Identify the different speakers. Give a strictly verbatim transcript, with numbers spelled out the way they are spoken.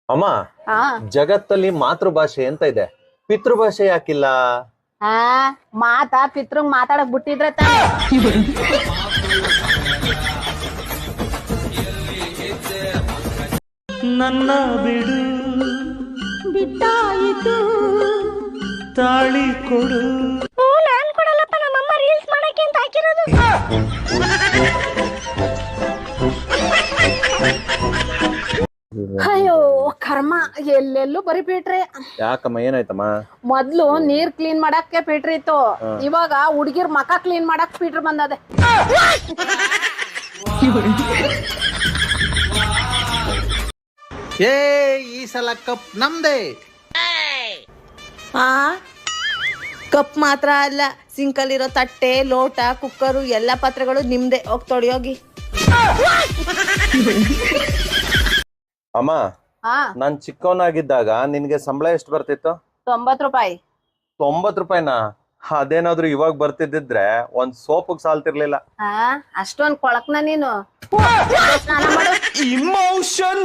Speaker 1: ಅಮ್ಮ ಜಗತ್ತಲ್ಲಿ ಮಾತೃಭಾಷೆ ಅಂತ ಇದೆ, ಪಿತೃಭಾಷೆ ಯಾಕಿಲ್ಲ?
Speaker 2: ಆ ಮಾತಾ ಪಿತೃಂಗ್ ಮಾತಾಡಕ್ ಬಿಟ್ಟಿದ್ರೆ ತಾನೆ.
Speaker 3: ನನ್ನ ಬಿಡು
Speaker 2: ಬಿಟ್ಟಾಯಿತು
Speaker 3: ತಾಳಿ ಕೊಡು.
Speaker 2: ನಾನ್ ಕೊಡಲ್ಲಪ್ಪ, ನಮ್ಮಮ್ಮ ರೀಲ್ಸ್ ಮಾಡಕ್ಕೆ ಅಂತ ಹಾಕಿರೋದು. ಅಯ್ಯೋ ಕರ್ಮ, ಎಲ್ಲೆಲ್ಲೂ ಬರೀ ಪೀಟ್ರಿ.
Speaker 1: ಯಾಕಮ್ಮ, ಏನಾಯ್ತಮ್ಮ?
Speaker 2: ಮೊದ್ಲು ನೀರ್ ಕ್ಲೀನ್ ಮಾಡಕ್ಕೆ ಪೀಟ್ರಿ ಇತ್ತು, ಇವಾಗ ಹುಡ್ಗಿರ್ ಮಕ ಕ್ಲೀನ್ ಮಾಡಕ್ ಪೀಟ್ರ್ ಬಂದದೆ.
Speaker 4: ಏ ಈ ಸಲ ಕಪ್ ನಮ್ದೇ.
Speaker 5: ಆ ಕಪ್ ಮಾತ್ರ ಅಲ್ಲ, ಸಿಂಕಲ್ಲಿರೋ ತಟ್ಟೆ, ಲೋಟ, ಕುಕ್ಕರು ಎಲ್ಲ ಪಾತ್ರೆಗಳು ನಿಮ್ದೆ. ಹೋಗಿ ತೊಳೆಯೋಗಿ.
Speaker 1: ಅಮ್ಮ,
Speaker 2: ಹಾ
Speaker 1: ನಾನ್ ಚಿಕ್ಕವನಾಗಿದ್ದಾಗ ನಿನ್ಗೆ ಸಂಬಳ ಎಷ್ಟು ಬರ್ತಿತ್ತು?
Speaker 2: ತೊಂಬತ್ ರೂಪಾಯಿ.
Speaker 1: ತೊಂಬತ್ ರೂಪಾಯಿನಾ? ಅದೇನಾದ್ರೂ ಇವಾಗ ಬರ್ತಿದ್ದಿದ್ರೆ ಒಂದ್ ಸೋಪಿಗೆ ಸಾಲ್ತಿರ್ಲಿಲ್ಲ.
Speaker 2: ಹಾ ಅಷ್ಟೊಂದ್ ಕೊಳಕ್ನ ನೀನು.
Speaker 3: ಇಮೋಷನ್